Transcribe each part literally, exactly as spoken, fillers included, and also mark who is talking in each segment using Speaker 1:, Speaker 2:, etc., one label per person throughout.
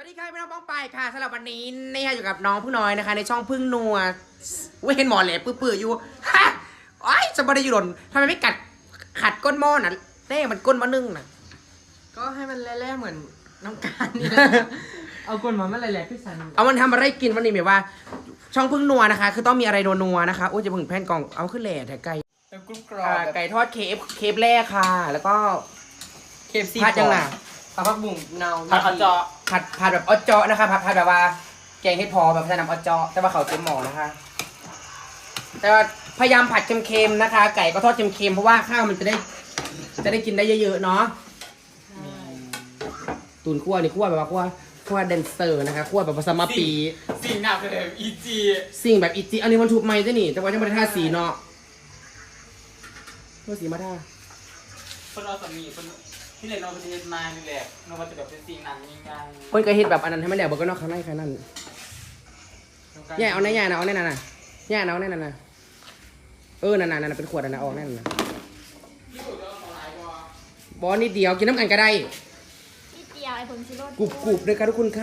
Speaker 1: ดีค่ะพี่น้องป้องไปค่ะสำหรับวันนี้นี่ค่ะอยู่กับน้องพึ่งน้อยนะคะในช่องพึ่งนัวเว้นหมอแหลปื้อๆอยู่ฮะโอ้ยจะไม่ได้อยู่หล่นทำไมไม่กัดขัดก้นหม้อน่ะเต้มันก้นหม้อนึ่งน่ะ
Speaker 2: ก็ให้มันแล่ๆเหมือนน้ำการนี่ เอากลมาเมื่อไรแหละพี่สัน
Speaker 1: เอามันทำอะไรกินวันนี้แบบว่า ช่องพึ่งนัวนะคะ คือต้องมีอะไรนัวๆนะคะโอ้ยจะพึ่งแผ่นกล่องเอาขึ้นแหล่แต่ไก่
Speaker 2: เป็นกรุบกรอ
Speaker 1: อ่า
Speaker 2: บ
Speaker 1: ไก่ทอดเคฟเคฟแรกค่ะ แล้วก็
Speaker 2: เคฟซี
Speaker 1: ผัดยังไง
Speaker 2: ผัดผักบุ้งเนา
Speaker 1: ผัดออเจาะผัดผัดแบบออเจาะนะคะผัดผัดแบบว่าแกงเห็ดพอแบบใส่น้ำออเจาะแต่ว่าเขาเต็มหม้อนะคะ แต่ว่าพยายามผัดเค็มๆนะคะ ไก่ก็ทอดเค็มๆเพราะว่าข้าวมันจะได้ จะได้กินได้เยอะๆเนาะตุนคั่วนี่คั่วแบบว่าคั่วคั่วแดนเซอร์นะคะคั่วแบบภาษามาปี
Speaker 2: สิ่งหนักเลยอีจี
Speaker 1: สิ่งแบบอิจิอันนี้มันถูกไหมจ้ะนี่แต่ว่ายังไม่ได้ทาสีเนาะเมื่อสีมาทา
Speaker 2: คนเราสามีคนที่ไหนเราไปเรียนมานี่แหละเราจะแบบเป็นสิ่งนั้นยังไง
Speaker 1: คนก็เฮ็ดแบบอันนั้นให้มันแหลกบอกก็นอกข้างในข้างนั้นแย่เอาแน่แย่นะเอาแน่น่ะนะแย่นะเอาแน่น่ะนะเออนั่นน่ะนั่นน่ะเป็นขวดอันนั้นออกแน่น่ะนะบอสนิดเดียวกินน้ำกันก็ได้
Speaker 3: นิดเดียวไอ้ผงชูรส
Speaker 1: กรุบกรุบเลยค่ะทุกคนค่ะ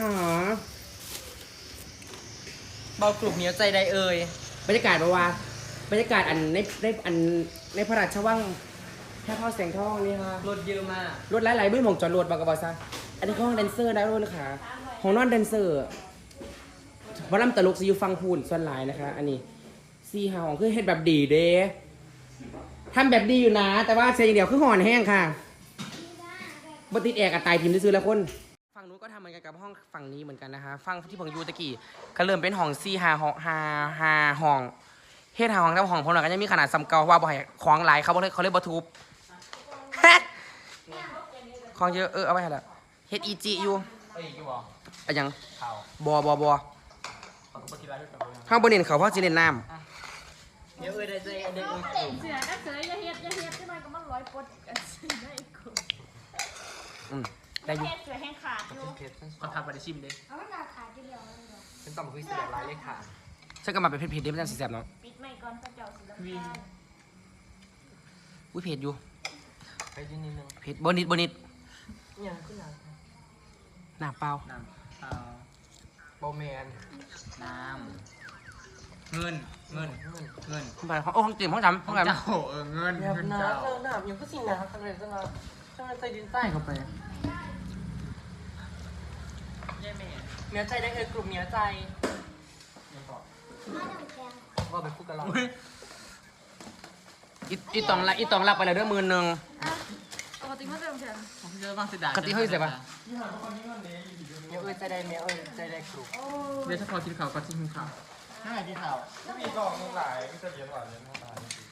Speaker 2: เบากลุ่มเหนียวใจใดเอ่ย
Speaker 1: บรรยากาศแบบว่าบรรยากาศอันในในอันในพระราชวังแค่พ่อแสงทองนี่ค่ะ
Speaker 2: รถเยอะมาก
Speaker 1: รถหลายๆบื้อหมองจอดรถบอกกับบอสซะอันนี้ห้องแดนเซอร์ได้ด้วยนะคะห้องนอนแดนเซอร์วอลลัมตลกซีอยู่ฟังพูนส่วนหลายนะคะ อันนี้ซีหาของคือเฮ็ดแบบดีเด้ทำแบบดีอยู่นะ แต่ว่าเสียอย่างเดียวคือห่อนแห้งค่ะบติดแอร์กับตายพิมพ์ซื้อแล้วคนฝั่งนู้นก็ทำเหมือนกันกับห้องฝั่งนี้เหมือนกันนะคะฝั่งที่ผมอยู่ตะกี้ก็เริ่มเป็นห้องซีหาห้องหาหาห้องเฮ็ดหาห้องแต่ห้องผมหน่อยก็ยังมีขนาดซ้ำเก่าว่าบ่ให้ของหลายเขาบ่เลยเขาเลยบ่ทุบ ของเยอะเออเอาไว้ให้ละเฮ็ดอีจีอยู่
Speaker 2: เอ้ยกี่บอก
Speaker 1: อะหยัง
Speaker 2: ข่าว
Speaker 1: บอบอบอ
Speaker 2: เขาก็ปฏิบัติด้วยกันเลย
Speaker 1: ข้างบนเน้นเขาเพราะสิเล่นน้
Speaker 2: เดี๋ยวเอ้ยได้ใจเด็ก
Speaker 3: เอา
Speaker 2: เอ้ย
Speaker 3: เด็กเสือนะเสืออย่าเฮ็ดอย่าเฮ็ดใช่ไหมก็มันร้อยปดกันสิได้กู
Speaker 1: ำอืมได้อยู่
Speaker 3: เฮ็ดเสือแห้งขาดอยู่
Speaker 2: เพชรเขาทำมาได้ชิมดิ
Speaker 3: เอามันขาดขาดทีเดียวเลยเหรอ
Speaker 2: เป็นต่อมคือเสียลายเลยค่ะ
Speaker 1: ฉันก็มาเป็นเพจเพจเดียวไม่ได้สีแสบเนาะ
Speaker 3: ปิดไม่ก่อนพระเจ้าสิลำ
Speaker 2: วิ่ง
Speaker 3: คาญ
Speaker 1: อุ้ยเพจอยู่
Speaker 2: ไปยืนนิดนึง
Speaker 1: เพจบนิดบนิด
Speaker 2: ยังขึ้นหนัก
Speaker 1: หน้าเปล่า
Speaker 2: น้ำเปล่าโบแมนน้ำเงินเงินเงินเงิน
Speaker 1: ขึ้นไปห้องโอ้ห้องเต็มห้องจำห้องจ
Speaker 2: เจ้าเออเงิน
Speaker 4: แบบ
Speaker 2: เงิน
Speaker 4: น้ำ
Speaker 2: เจ้า
Speaker 4: เออน้ำยังก็สิน้ำทำไมจะน้ำทำไมใส่ดินใต้เข้าไปเนื้อใจได้เออกลุ่มเนื้อใจว่าไปพูดกันเรา
Speaker 2: อุ้ย
Speaker 1: ำอีอีตองละอีตองรับไปเลยด้วยมือหนึ่ง
Speaker 3: ปกติมันจะลงแขน
Speaker 2: ผมจะบ้างเสียดาย
Speaker 1: กะทิเฮ้ยเสียปะ
Speaker 4: เนื้อเออใจได้เนื้อเออใจได้กลุ่ม
Speaker 2: เดี๋ยวถ้าพอกินข้าวก็ทิ้งข้าว
Speaker 4: ห้าที่เท้า
Speaker 5: มีกล่องนึงหลายก็จะเลี้ยงหวานเลี้ยงหวาน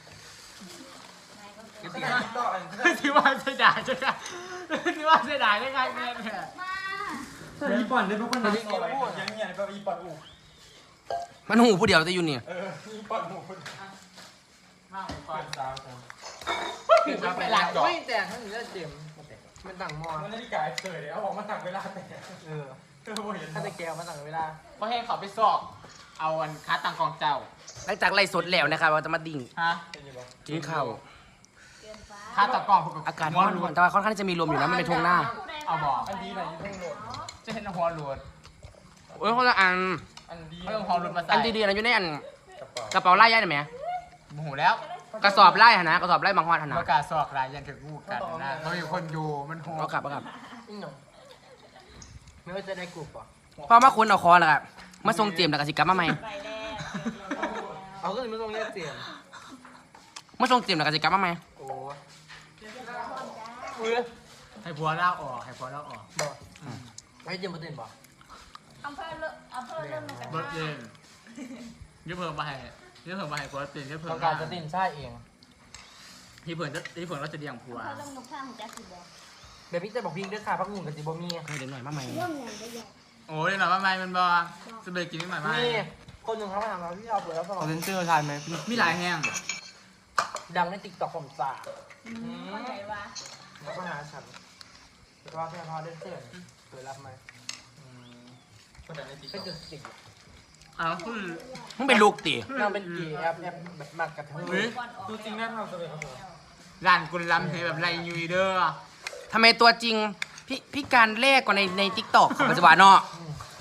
Speaker 2: ที่ว่าที่ว่าเสียดายใช่ไหมที่ว่าเสียดายได้ไงแม่เนี่ย
Speaker 4: ใช่ญี่ปุ่นได้ทุกคนนะ
Speaker 5: เอาไว้ยังเงี้ยแบบอีปัดอู
Speaker 1: มันหูผู้เดียวแต่อยู่นี่
Speaker 5: เอออีปัดอูคน
Speaker 2: ข้าวก่อ
Speaker 5: เป็น นสาวคน
Speaker 2: ถึงจะไปหลักดอก
Speaker 4: ไม่แต่ทั้งนี้เต็มมันต่างมอ
Speaker 5: มันนาฬิกาเฉยเอาออกมาตักเวลาแต่
Speaker 4: เออ
Speaker 5: เออเห็น
Speaker 4: ถ้าตะแกวมาต่างเวลา
Speaker 2: เพราะให้เขาไปสอบ เอาอันค้าตังกองเจ้า
Speaker 1: หลังจากไล่สดแล้วนะครับเราจะมาดิ่ง
Speaker 2: ฮะ
Speaker 5: เป็นยังไง
Speaker 1: กินข้าว
Speaker 2: ค้าตังกองพวก
Speaker 1: อากาศร้อนๆแต่ว่าค่อนข้างที่จะมีลมอยู่นะมันเป็นทงหน้า
Speaker 2: เอาบอก
Speaker 5: อันดีไหนยี่ห้อโหลด
Speaker 2: จะเห็นหัวหลวด
Speaker 1: โอ้ยคนละอัน
Speaker 5: อันดี
Speaker 2: เขาต้องหัวหลวดมาใส่
Speaker 1: อันดีๆนะอยู่ในอัน
Speaker 5: กระเป๋าก
Speaker 1: ระเป๋าไล่ย่ายได้ไหม
Speaker 2: โมโหแล้ว
Speaker 1: กระสอบไล่หนนะกระสอบไล่บางฮอดหนนะ
Speaker 2: ประกาศสอบรายยันถึงกูกันนะเขามีคนอยู่มันโห
Speaker 1: เอากลับเอากลับ
Speaker 4: นี่หนูเนื้อใจได้กลุ่มป่ะ
Speaker 1: พอมาคุณเอาคอแล้วครับมาทรงเจียมแล้วก็สิกลับมาใหม่
Speaker 3: ไปแล้ว
Speaker 4: เอาก็เลยไม่ต้องเรียกเสียง
Speaker 1: มาทรงเจียมแล้วก็สิกลับมาใหม่
Speaker 4: โอ้เออ
Speaker 2: ให้ผัวเล่าออกให้ผัวเล่าออก
Speaker 4: บอกให้เจียมมาเต้นป่ะ
Speaker 3: อำเภอเริ่มอำเภอเริ่มมาจาก
Speaker 2: เบิร์ดเย็นยืมเพิ่มมาให้ยืมเพิ่มมาให้ผัวเปลี่ยนยืมเพิ่
Speaker 4: ต้
Speaker 2: ม
Speaker 4: องการจะเต้นใช่เอง
Speaker 2: ที่เพิ่นที่เพิ่นเราจะเลี้ยงผัว
Speaker 3: อำเภอเริ่มนกข้างของแจ๊สซี่บอก
Speaker 4: เดี๋ยวพี่จะบอกพี่ด้วยค่ะพักหนึ่งกับจิบมี
Speaker 1: เฮ้ยเดี๋ยวหน่อยมาใหม่
Speaker 3: เรื่องเงินได้ยัง
Speaker 2: โอ้ยหน่อยว่าไม่มันบอจะไปกินไม่หน่อยไม่
Speaker 4: นี่คนหนึ่งเขามาถามเราพี่เราเปิดแล้วสมอง
Speaker 5: เซนเซอร์ทานไหม
Speaker 2: มีหลายแห้ง
Speaker 4: ดังในติ๊กต็อกผมจ่า
Speaker 3: เข้าใจว่า
Speaker 4: แล้วก็หาฉันแต่ว่าพี่พอได้เสื้อเปิดรับไหม
Speaker 5: คนแต่ในติ๊ก
Speaker 4: ก็จะติด
Speaker 2: อ้าวคือ
Speaker 1: มึงเป็นลูกติ
Speaker 4: นางเป็นกีแอปแอปแบบมากกับทั้ง
Speaker 2: เฮ้ย
Speaker 5: ดูจริงแน่นอนเลยครับผม
Speaker 2: ร้านกุลลำเฮแบบไรยูเดอร์
Speaker 1: ทำไมตัวจริงพี่พี่การแรกกว่าในในทิกตอกของปัจจุบันเนาะ
Speaker 4: อืม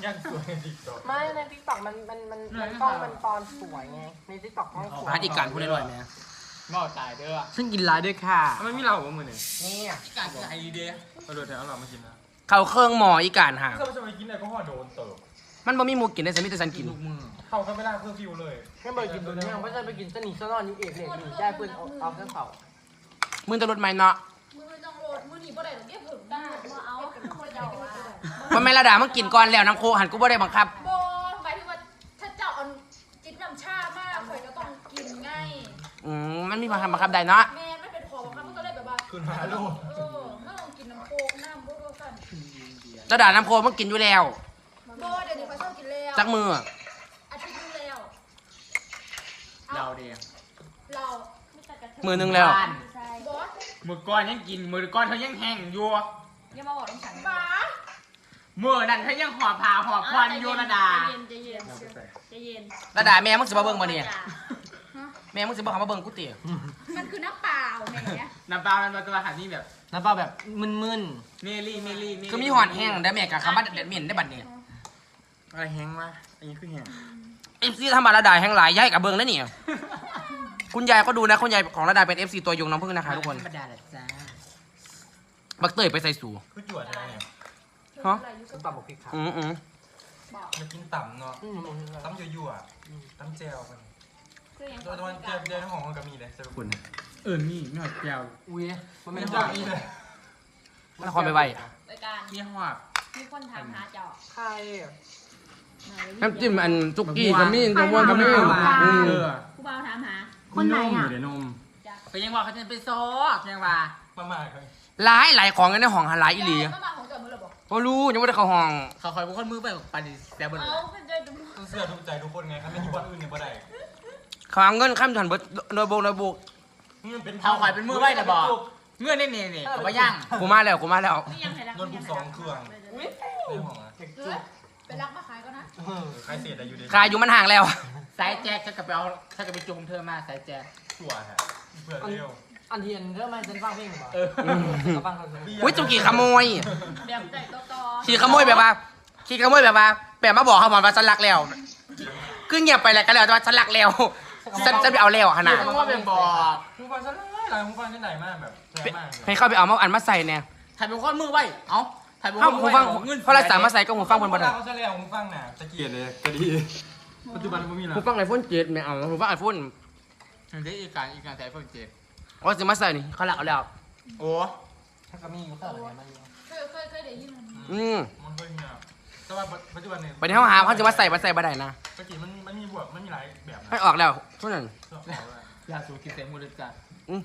Speaker 5: ยังสวยติ๊กต็อก
Speaker 4: ไม่ในทิกตอกมันมันมันมันกล้องมันตอนสวยไงในทิกตอกกล้องสวย
Speaker 1: พาร์ทอีกการพูดได้หน่อยไหม
Speaker 2: เมาตายเด้อ
Speaker 4: ซึ่งกินร้ายด้วยค่ะ
Speaker 5: ทำไมมีเราของมือเนี่ย
Speaker 4: นี่
Speaker 2: การไอเดีย
Speaker 5: เราโดนแถวเรามากินนะ
Speaker 1: เขาเครื่องหมออีกการหา
Speaker 5: ก็ไม่ใช่ไปกินอะไรก็ห่อโดนเติบ
Speaker 1: มันบ่มีหมูกินได้สมิธสัน
Speaker 2: กิ
Speaker 1: กิ
Speaker 2: น
Speaker 1: น
Speaker 2: ลูกมือ
Speaker 5: เข้าก็ไม่ได้เพื่อฟิวเลย
Speaker 4: ไม่ไปกินตัวนี้ไม่ใช่ไปกินสนิทสนอนอยู่เอกเลยหนีได้เพื่อนเอาเอาเครื่องเผา
Speaker 1: มึงจะลดไหมเนาะ
Speaker 3: มือต้องโหลดมือหนีบ่ได้หรอกเก็บผึ่งได้มาเอาขึ้นมาเจ้าว่า
Speaker 1: มันไม่ระดามึงกินก่อนแล้วน้ำโคหันกูบ่ได้บังคับ
Speaker 3: โบหมายถึงว่าถ้าเจ้าเอาจิตน้ำชามากข่อยก็ต้องกินง่าย
Speaker 1: อืมมันมีบังคับบังคับได้เนาะ
Speaker 3: แม่ไม่เป็นขอบังคับมันก็เลยแบบว่า
Speaker 5: ขึ้นมาลูก
Speaker 3: เออไม่ต้องกินน้ำโคกน้ำบ่ก็สั่น
Speaker 1: ระดาน้ำโคมึงกินอยู่แล้ว
Speaker 3: โบเดี๋ยวนี้ข่อยชอบกินแล้ว
Speaker 1: จักมือ
Speaker 3: อาทิตย์นึงแล้ว
Speaker 2: เราเดียว
Speaker 3: เราไม่ตัดกระเทย
Speaker 1: มือนึงแล้ว
Speaker 3: ใช่บอส
Speaker 2: มือก้อนยังกินมือก้อนเขายังแห้งอยู่
Speaker 3: อย่ามาบอกน้ำฉันบ้า
Speaker 2: มือนั่นเขายังหอบผ่าหอบควันอยู่ระดา
Speaker 3: ใจเย็นใจเย็นใจเย็น
Speaker 1: ระดาแม่มึงสิมาเบิ่งบ่เนี่ยแม่มึงสิบ่เข้ามาเบิ่งกูติ
Speaker 3: มันคือน้ำเปล่าแหม
Speaker 2: น้ำปลามันมาตัวหันนี่แบบ
Speaker 4: น้ำเปล่าแบบมึน
Speaker 2: เมลี่เมลี่
Speaker 1: คือมีหอดแห้งได้แม่กับคำว่าเด็ดเหม็นได้บัดนี้
Speaker 5: อะไรแห้งวะอันนี้คือแห้ง
Speaker 1: เอฟซีทำมาระดาแห้งหลายย้ายกับเบิ่งได้เนี่ยคุณยายก็ดูนะคุณยายของระดาเป็น เอฟ ซี ตัวยงน้ำผึ้งนะคะทุกคน
Speaker 2: ธรรมดาแหละจ้า
Speaker 1: บักเตยไปใส่สู
Speaker 5: คือจวดอะไรเนี่ย
Speaker 1: ฮะ
Speaker 4: ๆส้มตำบอกพริกขาว
Speaker 1: อืมอืม
Speaker 5: มันกินต่ำเนาะ
Speaker 4: อืมอืม
Speaker 5: ตั้มยั่วๆตั้มเจลมันโดยวันเจลเจลของมันก็มีเลยสรุปคุณ
Speaker 2: เออนี่ไม่หอดแก้ว
Speaker 4: อุ้ยมัน
Speaker 5: ไม่
Speaker 4: ไม่
Speaker 5: ได้
Speaker 4: ได้
Speaker 5: มีเลย
Speaker 1: นครไปไว
Speaker 3: โดยการ
Speaker 2: มีหอบ
Speaker 3: มีคนถามหาเจ้า
Speaker 4: ใครอ่ะ
Speaker 1: น้ำจิ้มอันจุกกี้ก็มีน้ำวนก็มีอืม
Speaker 2: เออ
Speaker 3: ครูบ่าวถามหา
Speaker 5: คนไหนอ่ะเดี๋ยวนม
Speaker 2: ก็ยังว่าเขาจะไปซอกยังว่า
Speaker 5: มามาเลย
Speaker 1: หลายหลายของกันในห้องหาหลายอีหลี
Speaker 3: ก็มาของเจ้ามือหรอบอก
Speaker 1: ก็รู้ยังไม่ได้เข้าห้อง
Speaker 2: เขาคอยบุกคนมือไปปันแต่บน
Speaker 3: เอาเป็นใจดู
Speaker 5: ต้องเสื้อทุกใจทุกคนไงถ้าไม่มีวันอื่นเนี่ยบ่ได้
Speaker 1: เขาเอาเงินข้ามถันเบิดโดยโบกโดยโบก
Speaker 5: นี่มันเป็น
Speaker 2: เขาคอยเป็นมือไว้แต่บอกเงื่อนนี่นี่นี่เขาไปย่าง
Speaker 1: กูมาแล้วกูมาแล้ว
Speaker 3: นี่ยังไงรัก
Speaker 5: โน้ตบุ๊กสองเครื่องในห้องอ่ะ
Speaker 4: เด็ก
Speaker 3: เอ
Speaker 4: จุ
Speaker 3: อก ไปรักมาขายก็นะ
Speaker 4: เออ
Speaker 5: ใครเสียแต่อยู่ดี
Speaker 1: ขายอยู่มันห่างแล้ว
Speaker 2: สายแจ็คจะกลับไปเอาถ้ากลับไปจูงเธอมาสายแจ็ค
Speaker 5: ชัวร์ฮะเผื่อเร็ว
Speaker 4: อันเทียนเริ่มมาฉันฟังเพลงหรือเปล่า
Speaker 2: เออ
Speaker 4: เขาฟังเขาเลย
Speaker 1: อุ้ยจุกี้ขโมย
Speaker 3: แบบใจต่อต่อ
Speaker 1: ขี่ขโมยแบบว่าขี่ขโมยแบบว่าแบบมาบอกเขาหมอนว่าฉันรักแล้วคือเงียบไปแล้วก็แล้วแต่ว่าฉันรักแล้วฉันจะไปเอาแล้วขนาด
Speaker 2: ต้องว่าเป็นบอก
Speaker 5: หูฟังฉันหลายหลายหูฟังที่ไหนมากแบบแรงมากเลย
Speaker 1: ให้เข้าไปเอามาอันมาใส่เนี่ย
Speaker 2: ถ่ายเป็นคนมือไว้เอ้าถ่ายเป็นค
Speaker 1: เข้าน
Speaker 2: มื
Speaker 1: หู
Speaker 2: อ
Speaker 1: ฟัง
Speaker 2: ไว้เงิน
Speaker 1: เพราะเราสามารถใส่ก็หูฟังบนบน
Speaker 5: เวลาเขาจะเรียกหูฟังน่ะตะเกียบเลยก็ดีปัจจุบันผมมีแล้ว
Speaker 1: หูฟังไอโฟนเจ็ดไม่เอาหูฟังไอโฟน
Speaker 2: ถึงได้อีกการอีกการแต่เพิ่งเจ็บ
Speaker 1: ว่าจะมาใส่นี่เขาหลักเอาแล้ว
Speaker 2: โอ้
Speaker 4: ถ้าก็มีอยู่ข้างหลังมัน
Speaker 3: เคยเคยเคยได้ยินมัน
Speaker 1: อืม
Speaker 5: มันเคยมีอ่ะแต่ว่าปัจจุบันเนี่ย
Speaker 1: ไปที่ห้องหาเขาจะมาใส่มาใส่บ่ได้นะ
Speaker 5: ตะกี้มันมันมีบวกมันมีหลายแบบนะ
Speaker 1: ให้ออกแล้วทุกนั้น
Speaker 5: ชอบบอกว่าย
Speaker 2: าสูบกินเต็มมือเลยจ้ะ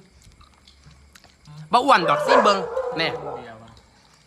Speaker 1: บ่อ้วนดอกซิ่งเบิงเนี่ย
Speaker 2: เดียวว่ะ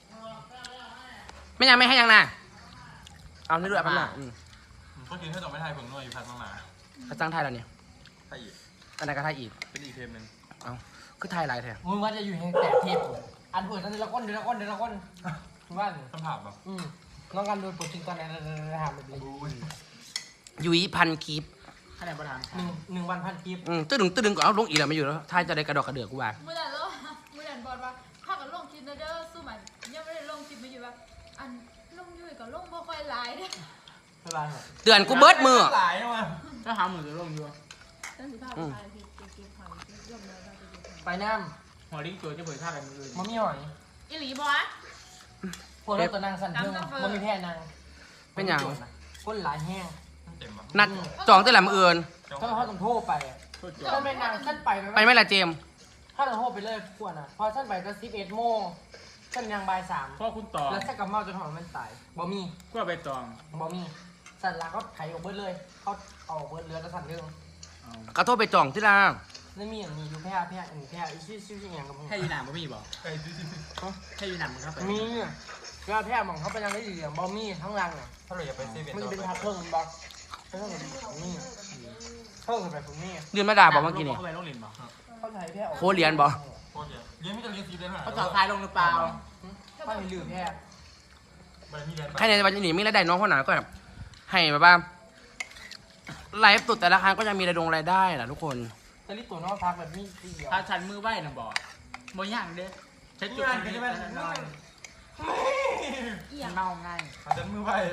Speaker 1: ไม่ยังไม่ให้ยังนะเอานี่ด้วยแป๊บหนึงอืม
Speaker 5: ก็กินให้ต่อไม่ทายผงนวดอยู่พันมาหมา
Speaker 1: เขาจ้างไทยแล้วเนี่ย
Speaker 5: ไทยอีก
Speaker 1: อันนั้นก็ไทยอีก
Speaker 5: เป็นอีกเทมหนึ่ง
Speaker 1: เอาคือไทยหลายแท้
Speaker 4: มึงว่าจะอยู่ในแต่เทพอันเปิดอันเดียวละก้นเดียวละก้นเดียวละก้นว่า
Speaker 5: คำถามแบบ
Speaker 4: อืมน้องกันโดนปลดทิ้งตอนไหนถามแบบนี้
Speaker 1: ยุ้ยพันคลิป
Speaker 2: ขนาดประธาน
Speaker 4: หนึ่งหนึ่งวันพันคลิป
Speaker 1: อืมตื้อดึงตื้อดึงก็เอาลงอีกแล้วไม่อยู่แล้วไทยจะได้กระดอกกระเดือกกูว่า
Speaker 3: มือดันแล้วมือดันบอลว่าถ้ากับลงคลิปนะเด้อสู้มันยังไม่ได้ลงคลิปมาอยู่ว่าอันลงอยู่กับลงบ่ค่อยหลายเด้อ
Speaker 4: เท่าไหร่หรอ
Speaker 1: เตือนกูเบิดมือ
Speaker 5: หลายมา
Speaker 2: ถ้าหาหมื่นจะลงอยู่
Speaker 3: ตั้งสิบห้าไปขายคลิปเก็บหอยยอมเลยเราจะเก็บหอย
Speaker 4: ไปน้
Speaker 2: หัวลิงตัวจะเผยท่าแบบมืออื่น
Speaker 4: ำมันมีหอย
Speaker 3: อีหลีบอส
Speaker 4: พวกเราตัวนางสั่นเทิงมันมีแค่นาง
Speaker 1: เป็นอย่าง
Speaker 4: ก้นหลายแห้ง
Speaker 5: เต็มปะ
Speaker 1: นัดจองตั้งแต่มืออื่น
Speaker 4: ถ้าเขาต้องโทษไปอ่ะ
Speaker 2: โคตร
Speaker 4: ถ้าไม่นางฉันไป
Speaker 1: ไปไหม่ละเจมส์
Speaker 4: ถ้าต้องโทษไปเลยพวกน่ะพอฉันไปก็สิบเอ็ดโมงฉันยังบ่ายสาม
Speaker 2: พ่อคุณต่อ
Speaker 4: แล้วฉันกับเมาจนหอมมันตายบ่มี
Speaker 2: ก็ไปตอง
Speaker 4: บ่มีสันหลักก็ไถออกเบิดเลยเขาเอาออกเบิดเรือแล้วสั่นเรื่อง
Speaker 1: กระโทษไปจองที่ละ
Speaker 4: แล้วมีอย่างนี้อยู่แพร่แพร่อันนี้แพร่อีชื่อชื่อชื่ออย่างกับมึง
Speaker 2: แค่ยีหนามก็มีบอก
Speaker 5: ใครซื้อ
Speaker 2: แค่ยีหนามมึงเข้าไป
Speaker 4: มีแพร่แพร่มองเขาไปยังได้ดีอย่างบ่มีทั้งรังอ่ะ
Speaker 5: ถ้าเราอยากไปเซเว่น
Speaker 4: มัน
Speaker 5: ต่
Speaker 4: จะ
Speaker 5: อ
Speaker 4: เป็น
Speaker 5: ไป
Speaker 4: ทับเพิ่งมันบอกเพิ่งผมมีเพิ่งไปผมมี
Speaker 1: เดือนมาด่าบอกเมื่อกี้นี่
Speaker 2: เข้าไปโรงเรียนบอก
Speaker 4: เขาไถแพร่ออก
Speaker 1: โคเรียนบอก
Speaker 5: โคตรเยอะเรียนไม่จะเรียนซีเลยนะ
Speaker 2: เขาต่อท้ายลงหรือเปล่า
Speaker 4: เขาให้ลืมแพร่
Speaker 5: บันมีเรียนไป
Speaker 1: ใครในวันนี้มีรายได้น้องคนไหนก็แบบให้แบบว่าไลฟ์สุดแต่ละครั้งก็จะมีรายดงรายได้แหละทุกคน
Speaker 4: จะรีบตัวนอกพักแบบมีสีเดียว
Speaker 2: ถ้าฉันมือไหวนะบอกบ่ย่างเด้ใช้จุด
Speaker 5: งาน
Speaker 2: นี้
Speaker 5: กันใช่ไหม
Speaker 2: นอน
Speaker 3: เอี่ย
Speaker 2: มั
Speaker 3: ง
Speaker 2: นเมาง่าย
Speaker 5: อาจจะมือไป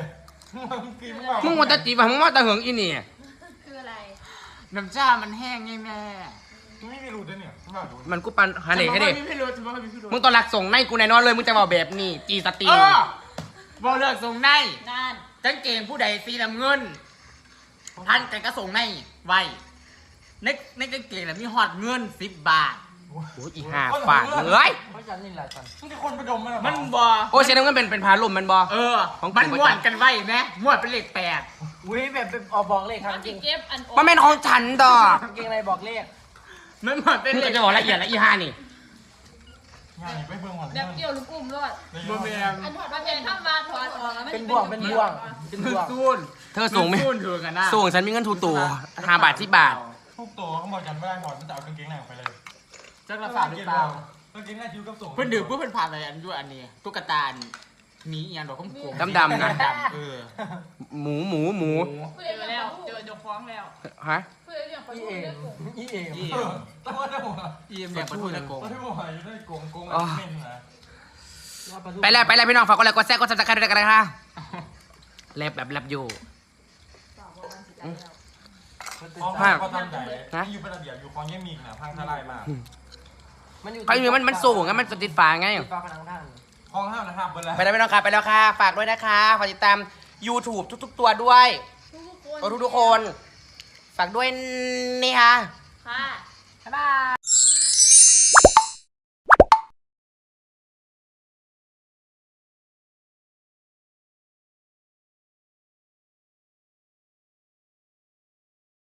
Speaker 5: มึงกินมึงบอก
Speaker 1: มึงว่าแตะจีบมึงว่าแตะเหิงอีนี่
Speaker 3: คืออะไร
Speaker 2: น้ำชามันแห้งไงแม่
Speaker 5: มึงไม่มีรูด้วยเนี่ยมึงบอกดู
Speaker 1: มันกูปันหาเหล็กให้ดิ
Speaker 2: ฉันบอกว่าไม่รู้ฉันบอกว่าไม่รู้
Speaker 1: มึงตอนหลักส่งในกูแน่นอนเลยมึงจะบอกแบบนี้จีสตรี
Speaker 2: เออบอกเลิกส่งใน
Speaker 3: งาน
Speaker 2: กางเกงผู้ใดสีน้ำเงินท่านแต่ก็ส่งในไว้ในในกางเกงน่ะมีหอดเงินสิบบาท
Speaker 1: โอ้ยอีห่าฝาดเลย
Speaker 4: เพราะฉันนี่แหละฉัน
Speaker 5: มึงจะคนไปดมมันเหรอ
Speaker 2: มันบอ
Speaker 1: โอ้ยเสียน้ำเงินเป็นเป็นพาลมมันบอ
Speaker 2: เออ
Speaker 1: ของกู
Speaker 2: มัน
Speaker 1: ประ
Speaker 2: ม้วน
Speaker 1: จำ
Speaker 2: กันไว้ไหมม้วนเป็นเลขแปด
Speaker 4: อุ้ยแบบเป็นออกบอกเลขครับ
Speaker 3: มัน
Speaker 4: จ
Speaker 3: จะ
Speaker 4: ริง
Speaker 3: เก็บอัน
Speaker 1: มันเป็นของฉันดอก
Speaker 4: กางเกงอะไรบอกเลข
Speaker 2: มันม้วนเป็น
Speaker 1: มึง
Speaker 2: เล
Speaker 1: ก็
Speaker 2: ข
Speaker 1: จะบอกละเอียดละอีห่านี่
Speaker 5: งานไปเบิ่งหมด
Speaker 3: แบบเกี่ยวลูกอุ้มรอด
Speaker 2: บนเมีย
Speaker 3: อันถอดมาเป็นข้ามมาถอดออกแล้วมัน
Speaker 4: เป็นบ่วงเป็นบ่วงเป็น
Speaker 2: คือ
Speaker 4: บ่วง
Speaker 2: ซูน
Speaker 1: เธอส่งไหม
Speaker 2: ซูนถือกันนะ
Speaker 1: ส่งฉันมีเงินถูกตัวห้าบาทที่บาท
Speaker 5: ทุกตัวเขาบอกกันว่าถอดมันจะเอากางเกงในออกไปเลย
Speaker 2: จักรฝาหรือเปล่าก
Speaker 5: างเกงในคิ้วกับส่ง
Speaker 2: เพื่อนดื่มเพื่อนผ่านอะไรอันด้วยอันนี้ตุ๊กตาหมีอย่างดอกข้มโกง
Speaker 1: ดำๆนะ
Speaker 2: ดำๆเออ
Speaker 1: หมูหมูหมู
Speaker 3: เจอแล้วเจอเจ้าฟ้องแล้ว
Speaker 1: ฮะ
Speaker 3: เพื่อนเรื่องประ
Speaker 4: อี
Speaker 3: ตู
Speaker 4: เอ็
Speaker 3: เรื่อ
Speaker 4: ม
Speaker 3: งผม
Speaker 4: อีเอ็ม
Speaker 2: อี
Speaker 5: เออต้องว่าได้หมดอ่ะ
Speaker 2: เยี่ยมเนี่ยประตูตะโกง
Speaker 5: ต้องได้หมดอยู่ได้โกงโกงเม่นนะ
Speaker 1: ไปแล้วไปแล้วพี่น้องฝากกดไลค์กดแชร์กดซับสไครต์ด้วยกันนะคะแลบแบบแลบอยู่
Speaker 5: คลอง
Speaker 1: ภา
Speaker 5: ห้า
Speaker 1: ค
Speaker 5: ก็ทำใหญ่อยู่เป็นระเบียบอยู่คลองแยมีกนะพังทลายมาก
Speaker 4: มันอยู่
Speaker 1: เขาอยู่มันมันสูงไงมันติดฟ้าไง
Speaker 4: ติดฟ้าผนังท่าน
Speaker 5: คลองห้านะครับเวลา
Speaker 1: ไปแล้วพี่น้องค่ะไปแล้วค่ะฝากด้วยนะคะฝากติดตาม YouTube ทุกๆตัวด้วย
Speaker 3: ทุกคน
Speaker 1: ทุกๆคน ฝากด้วยนี่ค่ะ
Speaker 3: ค่ะ
Speaker 1: บ๊ายบาย